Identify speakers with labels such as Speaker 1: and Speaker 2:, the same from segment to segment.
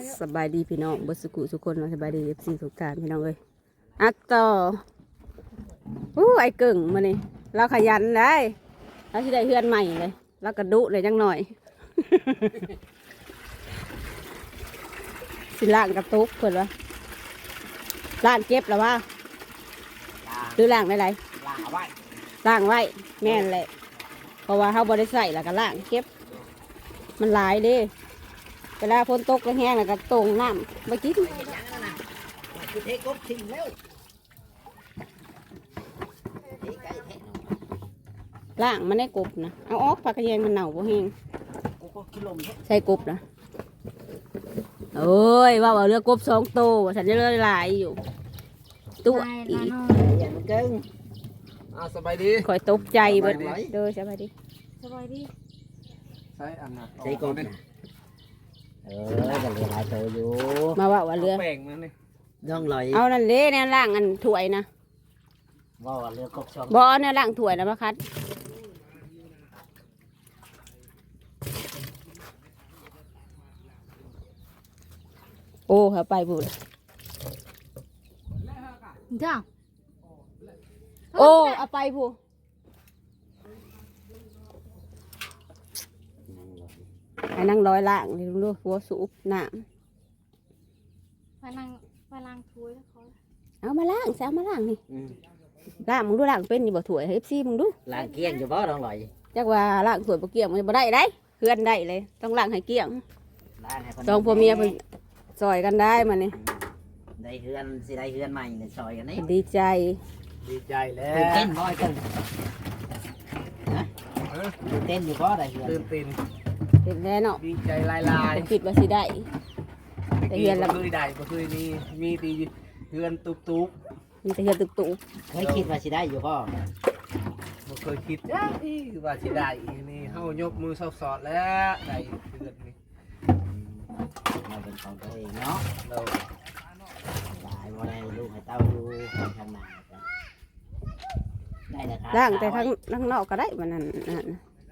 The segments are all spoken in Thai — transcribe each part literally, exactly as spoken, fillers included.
Speaker 1: สบายดีพี่น้องบุษกุทุกคนสบายดีเอฟซีทุกการพี่น้องเอ้ยอักต่ออู้ไอ้เก่งมานี่เราขยันได้เราที่ได้เฮือนใหม่เลยเรากระดุเลยจังหน่อย สิล่างกระตุกเพื่อนวะล่างเก็บหรือว่าหรือล่างอะไร
Speaker 2: ล่างเอาไว้
Speaker 1: ล่างไว้แม่นแหละเพราะว่าเขาบริใส่แล้วก็ล่างเก็บมันหลายเด้เวลาฝนตกแห้งแล้วก็ตรงน้ำไปกิน
Speaker 2: เห็นยังนั่นน่ะคือเทกบทิ้งแล้วเทไก่เทน
Speaker 1: ล่างมันได้กบนะเอาออกผักกระเยงมันเน่าบ่แห้ง
Speaker 2: กูก็กิโลม
Speaker 1: ใส่กบนะโอ้ยว่าเอาเรือกบสองตัวฉันจะเลือหลายอยู่ตัวอีก
Speaker 2: อย่ามันเก่งอ่าสบายดี
Speaker 1: คอยตกใจเบิดเลยเด้อสบายดี
Speaker 3: สบายดี
Speaker 2: ใช่อันน่ะใช่กบนะเออจะเหลือหลายตัวอยู่
Speaker 1: มาว่าว่าเรือ
Speaker 4: แป้งนั่นนี่
Speaker 2: ย่องลอย
Speaker 1: เอานั่นเลยเนี่ยล่างอันถ้วยนะ
Speaker 2: ว่าว่าเรือกบช่อง
Speaker 1: บ่อเนี่ยล่างถ้วยนะมาคัดโอ้เขาไปบุญ
Speaker 3: จ้า
Speaker 1: โอ้เอาไปบุไอ้นั่งร้อยล่างนี่ดูหัวสูบน้
Speaker 3: ไปนั่งไปล้างถ้วยแล้วเขา
Speaker 1: ำเอามาล่างแซวมาล่างนี่
Speaker 2: อืม
Speaker 1: ล่างมึงดูล่างเป็นอยู่บ่ถ้วยเอฟซีมึงดู
Speaker 2: ล้างเกลี้ยงอยู่บ่ย่องลอย
Speaker 1: จักว่าล่างถ้วยบ่เกี่ยงมันบ่ได้ได้เพื่อนได้เลยต้องล่างให้เกี่ยง
Speaker 2: ล้างให้เพิ่น
Speaker 1: สองพ่อเมียเพิ่นซอยกันได้มานี่
Speaker 2: ได้เฮือนสิได้เฮือนใหม่ในซอยกันนี่
Speaker 1: ดีใจ
Speaker 4: ดีใจแล้
Speaker 2: ตื่น
Speaker 4: ว
Speaker 2: เต้นบ่อยเกินนะตื่นเต้นอยู่บ่ได้เฮือน
Speaker 4: ตื่นเต้น
Speaker 1: เห็นแล้วเนาะ
Speaker 4: ดีใจลายลาย
Speaker 1: คิดว่าสิได้ แต่เฮือนละ
Speaker 4: บ่เคยได้บ่เคยมีมีตีเฮือนตุกตุก
Speaker 1: มีแต่เฮือนตุก
Speaker 2: เคยคิดว่าสิได้อยู่บ่
Speaker 4: บ่เคยคิดจ้าอีว่าสิได้อีนี่เฮายกมือสอดๆแล้วได้เฮือนนี่
Speaker 2: เราเป็นของตัวเองเนาะ
Speaker 4: เรา
Speaker 2: หลายบ่ได้ลูกให้เต้าอยู่คนข้างหน้าจ้ะได้นะครั
Speaker 1: ๆล่างแต่ข้างข้างนอกก็ได้มันนั่นนั่น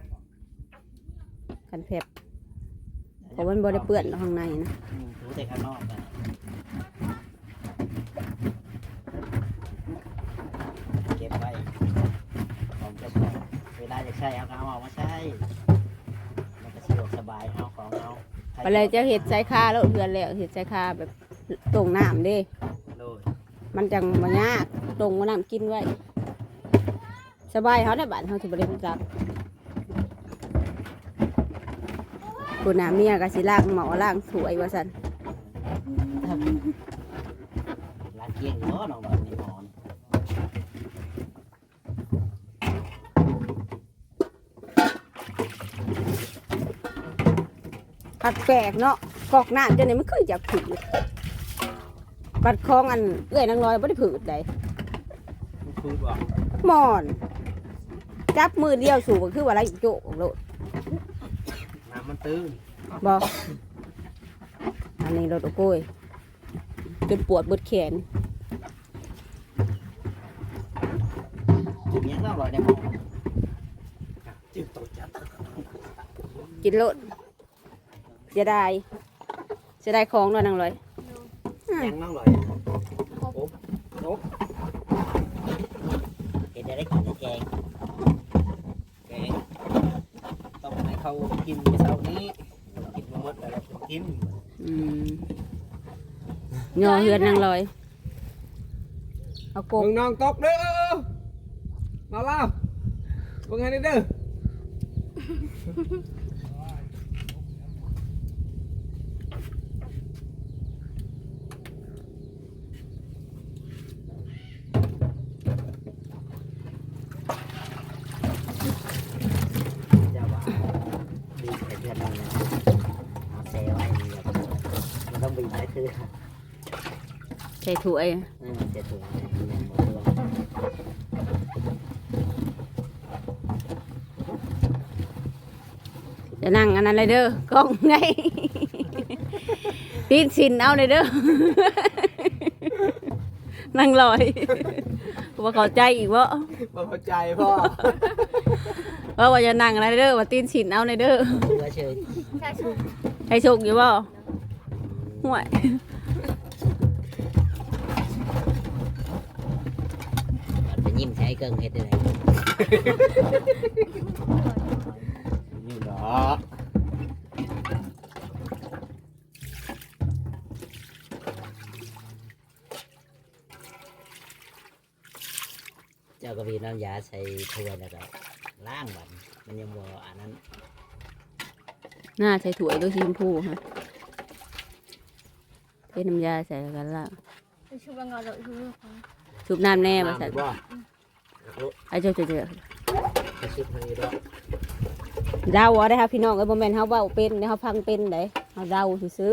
Speaker 1: กันแผบเพราะมันบ่ได้เปื้อนข้างในนะ
Speaker 2: อืมถูแต่ข้างนอกนะเก็บไว้ของเจ้าของเวลาจะใช้เอาก็เอาออกมาใช้มันก็สะดวกสบายเอาของเอา
Speaker 1: ไปเลยจะเห็ดใส่คาแล้วเฮือนแล้วเห็ดใส่คาแบบตรงน้ำเด้
Speaker 4: โดย
Speaker 1: มันจังบ่ยากตรงว่าน้ำกินไว้สบายเขาได้บ้านเขาสิบ่ได้รู้จักคุณน้าเมียก็สิล้างหมอล้างถ้วยว่าซั่น
Speaker 2: ร้านเกียงเนาะน้องแบบนี้หมอน
Speaker 1: ผักแปลกเนาะกอกน้ำจังได๋มันคืออยากผืดบัดคลองอันเอื้อยนางน้อยบ่ได้ผืดใด
Speaker 4: มันคือบ่
Speaker 1: หมอนจับมือเดียวสูบก็คือว่าอะไรโจกโลด
Speaker 4: น้ำมันตื้น
Speaker 1: บ่อันนี้รถโอ้โกยจนปวดเบิดแขน
Speaker 2: จุดยังต้องรอยได้หมอน
Speaker 4: จิ้มตัวจัด
Speaker 1: กินโลดเสียดายเสียดายของเนาะนางร้อย
Speaker 2: ยังต้องรอยเห็นได้ได้กินแต่แกง
Speaker 4: แกงต้องให้เขากินในเช้านี้กินมาหมดแล้วเราต้องกิน
Speaker 1: อืมย่อเฮือนนางร้อยเอากบ
Speaker 4: มึงน้องตกเด้อมาเล่ามึงให้ได้เด้อ
Speaker 2: เจ้าว่าดีแต่เพื่อนเราเนี่ยเอาเซไว้มันต้องบีบได้คือ
Speaker 1: ใส่ถ้วย
Speaker 2: อืมเจ็ดถุงเนี่ยหมดเลย
Speaker 1: จะนั่งอันนั้นเลยเด้อกล้องไง ตีนสินเอาเลยเด้อ นั่งลอยว่าเข้าใจอีกว่า
Speaker 4: บ่เข้าใจพ่อ
Speaker 1: ว่าว่าจะนั่งอะไรเด้อว่าตีนสินเอาเลยเด้อ
Speaker 2: เชื่อเชย
Speaker 3: ใช่ใช่
Speaker 1: ให้สุกอยู่บ่
Speaker 2: อืม
Speaker 1: ห่วย
Speaker 2: มันจะยิ้มใช้เกิงเฮ็ดได้ไดนี่ดอกเจ้าก็มีน้ำยาใส่ถ้วยแล้วก็ล้างบัดมันยังบ่อันนั้น
Speaker 1: หน้าใส่ถั่วด้วยสีชมพูฮะเทน้ำยาใส่กันละ
Speaker 3: ไปชุบงอดอกชุบเรื่องของ
Speaker 1: ชุบน้ำแน่มาใส่
Speaker 2: บ่
Speaker 1: ไอ้เจ้าเจ้าเจ้า
Speaker 2: ไปซุปให้ดอก
Speaker 1: เดาเอาได้ครับพี่น้องเอ้ยบ่แม่นเฮาเว้าเป็นเด้เฮาฟังเป็นเด้เฮาเดาซื่อ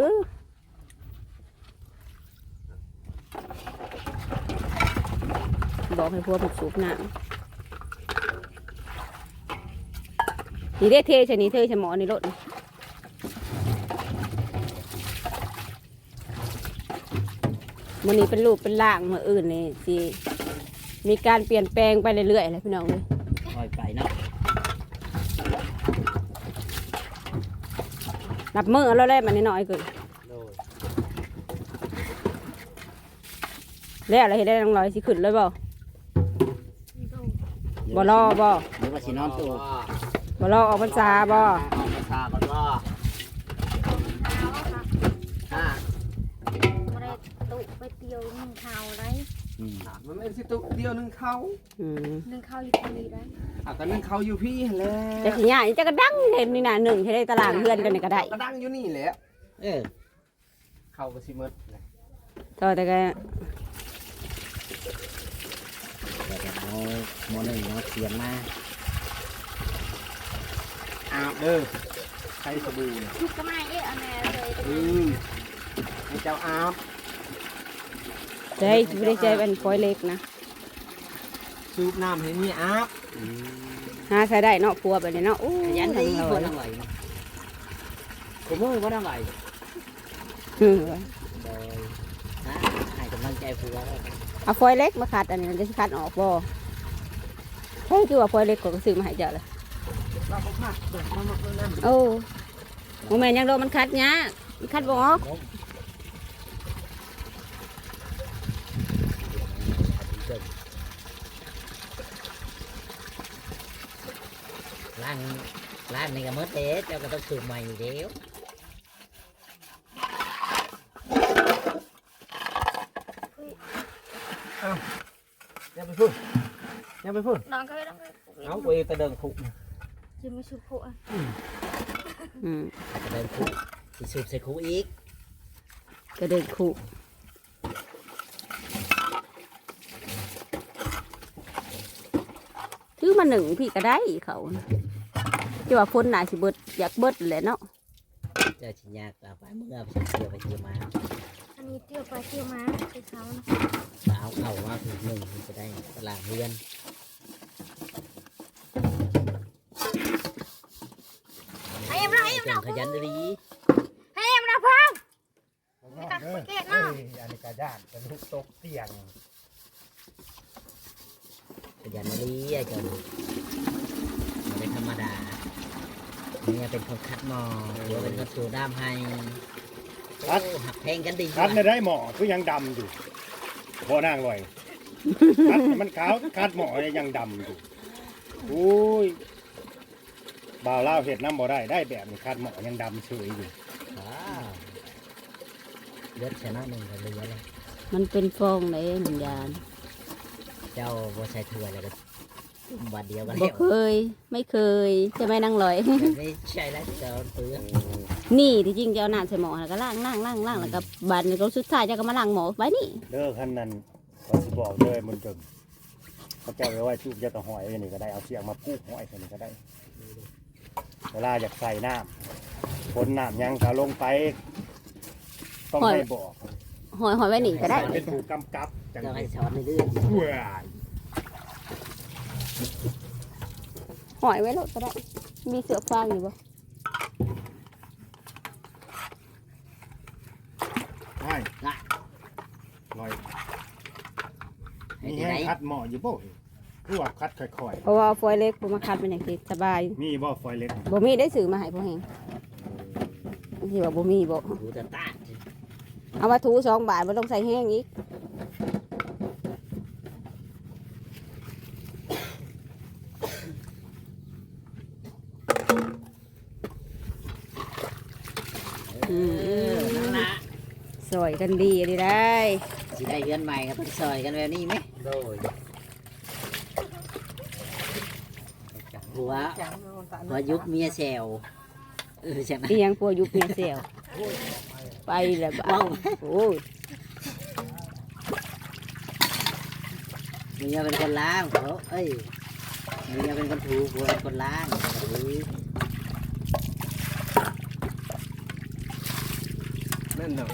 Speaker 1: ๆบอกให้พวกมันสูบน้ำนี่ได้เทใช่นี่เทใช่หมอนี่รถมันนี้เป็นรูปเป็นร่างมาอื่นนี่สิมีการเปลี่ยนแปลงไปเรื่อยๆเลยพี่น้องเลย
Speaker 2: ค่อยไปเนาะ
Speaker 1: นับมือเอาแล้วแหละมันน้อยๆเกิน
Speaker 2: โดย
Speaker 1: แล้วอะไรเห็นได้น้องลอยสิขึ้นเลยบ่
Speaker 3: นี่ก็
Speaker 1: บ่รอบ่
Speaker 2: หรือว่าสินอนตู้
Speaker 1: บ่รอออกพรรษาบ่
Speaker 2: ออกมาซาก่อนว่า
Speaker 3: เท้าค่ะ
Speaker 2: อ่า
Speaker 3: ไม่ได้ตุไปเตียวหนึ่งข้าวไร
Speaker 2: อืม
Speaker 4: มันเป็นสิตุเดียวหนึงเขา
Speaker 1: อืม
Speaker 3: หนึ่งข้าวอยู่ตรงนี้ได้
Speaker 4: อ่ะก็หนึงเขาอยู่พี่แหล้
Speaker 1: แต่สิย่าจะกระดังเห็นนี่น่ะหนึ่งใช้ได้ตารางเพื่อนกันนี่ก็ได้
Speaker 4: ก็ดังอยู่นี่แหละ
Speaker 2: เออ
Speaker 4: เขาก็สิหมดเลย
Speaker 1: ต่อแต่ก็
Speaker 2: เดี๋ยวจะเอาโมหนึ่งเอาเสียนมา
Speaker 4: อาบเด้อใช้สบู่เนี่ย
Speaker 3: ชุบก็ไม่เอ๊ะอันนี้เลย
Speaker 4: อืมให้เจ้าอาบ
Speaker 1: ใจไม่ได้ใจเป็นฟอยเล็กนะ
Speaker 4: สูบน้ำให้มีอาบ
Speaker 1: หาใช้ได้เนาะพัวแบบนี้เนาะอู้
Speaker 2: ขยัน
Speaker 1: ทั้
Speaker 2: ดี
Speaker 1: ง
Speaker 2: บ่
Speaker 1: เรา
Speaker 2: ต้องไหวผมมือบ่ต้องไหว
Speaker 1: อืม
Speaker 2: โดยนะให้กำลังใจผัวแล้วกัน
Speaker 1: เอาฟอยเล็กมาขัดอันนี้มันจะสิขัดออกบ่ใช่คือว่าฟอยเล็กก็ซื้อมาให้เจ้าเลย
Speaker 4: เราก็พักเบิดมาหมดเลยนะ
Speaker 1: โอ้โมแม่นยังโดนมันคัดเนี้ยมันคัดบ่ออก
Speaker 2: ล้างล้างนี่ก็หมดเด้เจ้าก็ต้องสูบใหม่อยู่เดียว
Speaker 4: อย่าไปพูดอย่าไปพูด
Speaker 3: น้องก็ไม่ต้องไป
Speaker 4: เอาไปตะเดิงผูก
Speaker 3: จะไม่ชุบผัว
Speaker 1: อืม
Speaker 2: อาจจะเดินคุกสิสูบใส่คุกอีก
Speaker 1: ก็เดินคู่ถือมาหนึ่งพี่ก็ได้เขาจะว่าพ้นหนาสิเบิดอยากเบิดแหละเนาะ
Speaker 2: เจ้าชิญากเอาไปเมื่อไปเที่ยวไปเที่ยวมา
Speaker 3: อันนี้เที่ยวไปเที่ยวมาไปเช้านะ
Speaker 2: เอาเข่ามาถึงหนึ่งมันจะได้ตลาดเรือน
Speaker 3: ไอ้เอ็มเราไอ้เอ็ม
Speaker 2: เก่
Speaker 3: เรา
Speaker 2: งขยันดี
Speaker 3: ไอ้เอ็มเราพังไม่ตัดเกตเนาะ
Speaker 4: อันนี้กระย่านกระลุกตกเตียง
Speaker 2: ขยันดีไอ้เจ้าไม่ได้ธรรมดาเนี่ยเป็นคนคัดหมอหรือเป็นคนสูด้ามให้โอ้หักแพงกันดี
Speaker 5: คัดในได้หมอคือยังดำอยู่พอนางลอยคัดให้มันขาวคัดหมอเนี่ยยังดำอยู่โอ้ยบ่าวเล่าวเห็ดน้ำบ่ได้ได้แบบนี้คัดหมอยังดำเฉยอยู่
Speaker 2: ว้าวเลือดชนะหนึ่งกันเลยเลย
Speaker 1: มันเป็นฟองเลยหนึ่งยาน
Speaker 2: เจ้าบัใส่ถ้วยแล้วก็จุ่มบาดเดียวกัน
Speaker 1: บ่
Speaker 2: แล้ว
Speaker 1: เคย ไม่เคยจะไม่นั่งลอย
Speaker 2: ไม่ใช่แล้วเจ้าเปลือก
Speaker 1: นี่ที่จริงจะเอาน้ำใส่หม้อแล้วก็ล้างล้างล้างล้างแล้วก็บัดนก็สุดท้ายจะก็มาล้างหม้อไว้นี่
Speaker 5: เด้อขั้นนั้นเราสิบอกเลยมันจนเขาเจ้าไว้ไว้จุบจะต่อหอยอันนี้ก็ได้เอาเสียงมาปูกหอยอันนี้ก็ได้ เวลาอยากใส่น้ำคนน้ำยังก็ลงไป ต้องให้บอก
Speaker 1: หอยหอยไว้นี่ก็ได้
Speaker 5: เป็นผู้กำกับจัง
Speaker 2: เจ้า
Speaker 5: เล
Speaker 2: ให้
Speaker 5: ย
Speaker 2: ช้อนเรื่อย
Speaker 5: เว้ย
Speaker 1: หอยไว้โลดก็ได้ มีเสือฟางอยู่บ่
Speaker 5: ใช่ลอย
Speaker 2: ๆให้
Speaker 5: มี
Speaker 2: ที่ไหน
Speaker 5: ให้คัดหมออยู่บ่คือว่าคัดค่อย
Speaker 1: เพราะว่าฟอยเล็กผมมาคัดเป็นอย่างที่สบาย
Speaker 5: ๆมีบ่ฟอยเล็ก
Speaker 1: บ่มีได้สื่อมาให้พ่อแหงที่ว่าบ่มีบ่
Speaker 2: ดูแต่ตา
Speaker 1: เอามาถูสองบาทไม่ต้องใส่แห้งอีกอืม
Speaker 2: นั่นละ
Speaker 1: สวยกันดีดีได้
Speaker 2: สิได้เรือนใหม่ครับซอยกันแบบนี้ไหมโดยหัวหัวยุบเมียแซวเออใช่ไหม
Speaker 1: อีหยังพวกยุคเมียเสียวไปแล้วบ้า
Speaker 2: ว้าว
Speaker 1: โอ้ย
Speaker 2: เมียเป็นคนล้างเขาเอ้ยเมียเป็นคนถูผัวเป็นคนล้างเออ
Speaker 4: นั่นน่ะ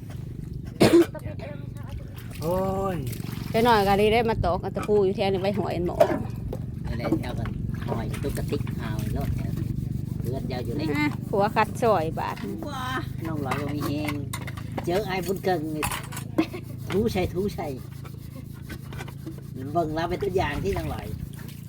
Speaker 4: โอ้ย
Speaker 1: ไปหน่อยกันดีได้มาตอกอันตะปูอยู่แถวนี้ไว้หอยอันหมอ
Speaker 2: อะไรเจ้ากันหอยตุ๊กติ๊กหาวรถเนี่ยเพื่อนเจ้าอยู่ใน
Speaker 1: อ่ะผัวคัดซอยบาท
Speaker 2: ว้าน้องหลอยก็มีเองเจอไอ้บุญเกิงนี่ทูใช่ทูใช่เบิ่งเราเป็นตัวอย่างที่น้องหลอย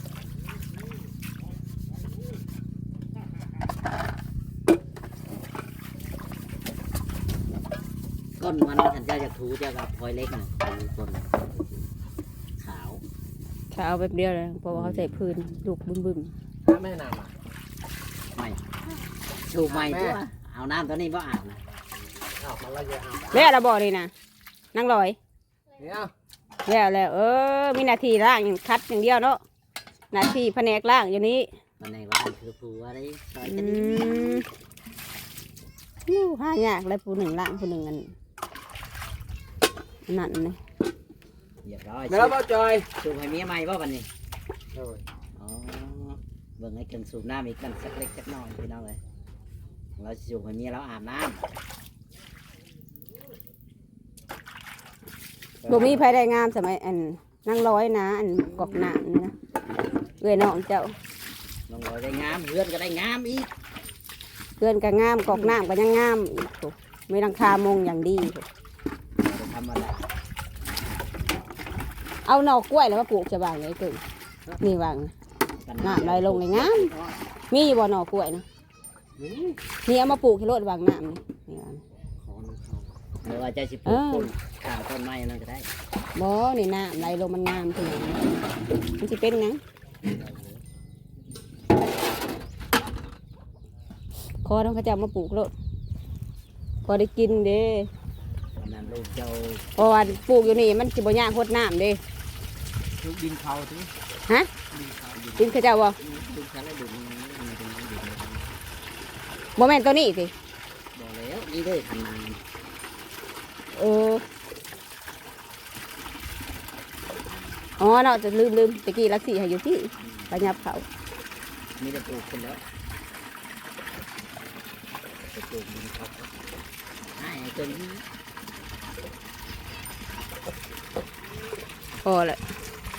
Speaker 2: ก้นมันฉันเจ้าจากทูเจ้ากับพลอยเล็กนะทูก้นขาว
Speaker 1: เขาเอาแบบเดียวเลยเพราะว่าเขาใส่พื้นลูกบึ้มบึ้ม
Speaker 4: ถ้าแม่นำอ่ะ
Speaker 2: ไม่ถูกใหม่ตัวเอาน้ำตัวนี้ว่าอาบนะ
Speaker 4: เอามาละเยอะเอา
Speaker 1: ๆแล้วเราบอกเลยนะนั่งลอย
Speaker 4: เนี่ย
Speaker 1: แล้วแล้วเออมีหนาทีล่างอย่างคัดอย่างเดียวเนาะหนาทีแผนกล่างอยู่นี้
Speaker 2: วันไหนว่าคือผัวได้ซอย
Speaker 1: อื
Speaker 2: กันดี
Speaker 1: มอู้ห้ายากเลยผู้หนึ่งล่างผู้หนึ่งอันนั่นเลย
Speaker 2: เรียบร้อย
Speaker 4: เดี๋ยวเราจอย
Speaker 2: สูบให้เมียใหม่ป่ะวันนี้
Speaker 4: โอ้ย
Speaker 2: อ๋อเบิ่งให้เกินสูบน้ำอีกกันสักเล็กสักน้อยพี่น้องเลยเราสูบให้เมียเราอาบน้
Speaker 1: บ่มีภายได้งามสมัยอันนั่งร้อยนะอันกอกหนามนี่นะเอ้ยน้องเจ้า
Speaker 2: ำลงรอยได้งามเพื่อนก็ได้งามอีก
Speaker 1: เพื่อนก็งามกอกหนามก็ยังงามอีกโถ่ไม่รังคามงอย่างดีโถ่
Speaker 2: บ่ธรรมดา
Speaker 1: เอาหน่อกล้วยแล้วมาปลูกจะบางไงเกินนี่วาง น้ำไหลลงเลยงาม มีบ่หน่อกล้วยนะนี่เอามาปลูกที่รถวางน้ำนี่นี่วาง
Speaker 2: หรือว่าจะสิปลูกต้นข้าวต้นไม้นั่นก็ได้
Speaker 1: บ่นี่น้ำไหลลงมันงามทีนี้มันจะเป็นไงคอต้องเขาจะเอามาปลูกรถพอได้กินเด้
Speaker 2: วันนั้นลูกเจ้า
Speaker 1: เพราะว่าปลูกอยู่นี่มันจะบ่ยากโคตรน้ำเด้
Speaker 4: ทุกดินเขาที่
Speaker 1: ฮะ
Speaker 4: ดินเขาดิน
Speaker 1: กินเขาเจ้าบ่
Speaker 2: ลูกฉันแล้วดูนี่มันเป็นดิน
Speaker 1: บ่แม่นตัวนี้สิ
Speaker 2: บอกแล้วนี่เด้อทำนา
Speaker 1: เอออ๋อเนาะจะลืมลืมตะกี้ลักซี่ให้อยู่ที่ประยับเขา
Speaker 2: มีแต่ปลูกคนแล้วจะปลูกดินเขาให้ไอ้ตัวนี้
Speaker 1: พอแหละ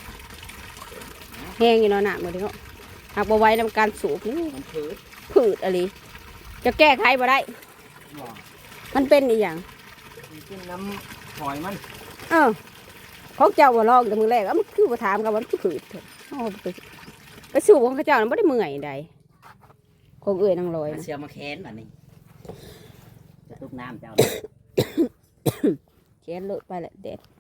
Speaker 1: แห้งอยู่เนาะหนักหมดเลยเนาะหากบ่ไว้ทำการสูบนี่
Speaker 2: มันพืช
Speaker 1: ผืดอะไรจะแก้ไขบ่ได้
Speaker 4: บ่
Speaker 1: มันเป็นอีหยัง
Speaker 4: มันกินน้ำหอยมัน
Speaker 1: เออของเจ้าบ่ลองแต่มือแรกเอ้ามันคือบ่ถามกันว่ามันคือผืดเถอะเอาไปไปสูบของเขาเจ้านั้นบ่ได้เมื่อยใดของเอื้อยนางลอย
Speaker 2: มัน
Speaker 1: นะ
Speaker 2: เสียมาแค้นแบบนี้จะตุกน้ำเจ้า
Speaker 1: แขนเลอะไปแหละแดด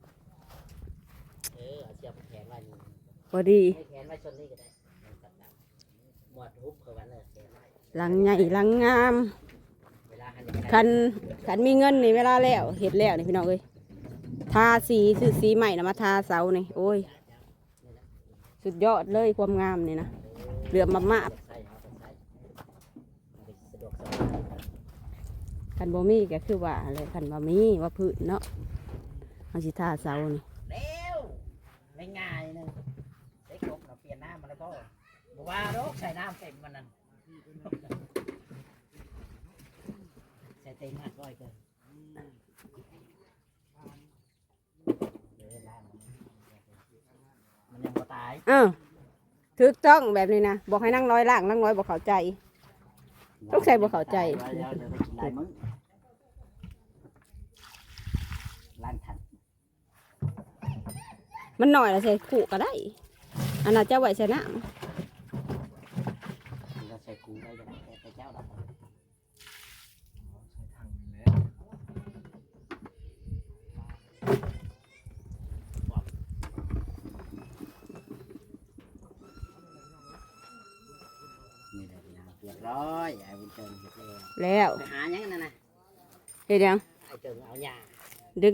Speaker 2: เออเอาเสียมาแค้นไว้นี่
Speaker 1: พอดี
Speaker 2: ให้แค้นไว้ชนนี่ก็ได้หมวดทุบเขาไว้เลยแค้นไว้
Speaker 1: หลังใหญ่หลังงาม
Speaker 2: เวลาหันจะ
Speaker 1: คันคันมีเงินนี่เวลาแล้วเห็ดแล้วนี่พี่น้องเอ้ยทาสีซื้อสีใหม่นะมาทาเสานี่โอ้ยสุดยอดเลยความงามนี่นะเหลือมมาก
Speaker 2: ใส่เอาใส่มันสะดวกสบาย
Speaker 1: ๆคันบ่มีก็คือว่าอะไรคันบ่มีว่าพืชเนาะเอาสิทาเสานี่
Speaker 2: เร็วไม่ง่ายนึงได้ครบเราเปลี่ยนน้ำมาแล้วก็บอกว่าโรคใส่น้ำเต็มมันนั่นใส่เต็มมากร้อยเกินเดี๋ยวล้างมันยังบ่ตาย
Speaker 1: เออถูกต้องแบบนี้นะบอกให้นั่งน้อยล่างนั่งน้อยบอกเข้าใจ ต้องใส่บ่เข้าใจ
Speaker 2: เดี๋ยวเดี๋ยวไปกินลายมึงล้างถัง
Speaker 1: มันหน่อยแล้วใส่ขู่ก็ได้อันนั้นจะไว้ใส่น้
Speaker 2: เราใส่กูได้ยังไงแต่เจ้าดับ
Speaker 4: ใส่ถังแล้ว
Speaker 2: เกิงเห็ดแล้ว
Speaker 1: แล้ว
Speaker 2: ไปหาหยังนั่นน่ะ
Speaker 1: เฮ็ดหยัง
Speaker 2: ไอ้เกิงเอาหญ้า
Speaker 1: ดึง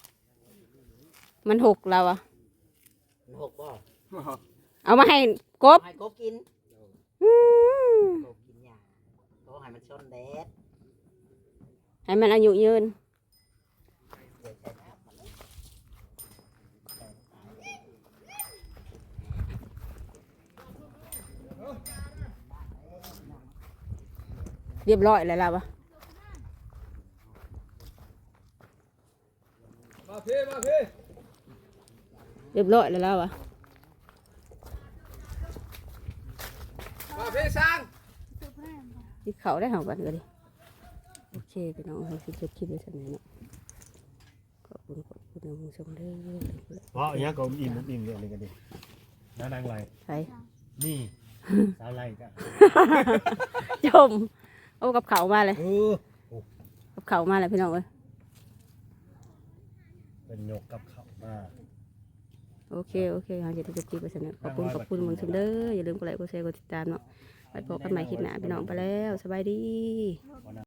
Speaker 1: มันหกเราอะ
Speaker 2: มันหกบ่
Speaker 1: เอามาให้กบ
Speaker 2: ให้กบกิน
Speaker 1: อืม
Speaker 2: กบกินหญ้าก็ให้มันชนแดด
Speaker 1: ให้มันอายุยืน
Speaker 2: เดี๋ยวใช้น้ำมัน
Speaker 1: เรียบร้อยแล้วล่ะวะ
Speaker 4: มาพี่มาพี่
Speaker 1: เรียบร้อยแล้วล่ะวะ
Speaker 4: มาพี่สร้าง
Speaker 1: ที่เขาได้เหากันก็ดิโอเคพี่น้องเราสิจบคลิปไว้สักหน่อยเนาะขอบคุณขอบคุณผู้ชมเด้อ
Speaker 5: เพราะอย่างนี้ก็อิ่มอิ่มเรื่องนี้กันดิน้านางไร
Speaker 1: ใช่
Speaker 5: นี่ สาวไรจ้ะ
Speaker 1: ชมโอ้กับเขามาเลย
Speaker 5: เออ
Speaker 1: กับเขามาเลยพี่น้องเอ้ย
Speaker 5: เป็นยกกับเขามา
Speaker 1: โอเคโอเคเราจะได้จบคลิปไว้สักหน่อยขอบคุณขอบคุณผู้ชมเด้ออย่าลืมกดไลค์กดแชร์กดติดตามเนาะไปพบกันใหม่คลิปหน้าพี่น้องไปแล้วสบายดี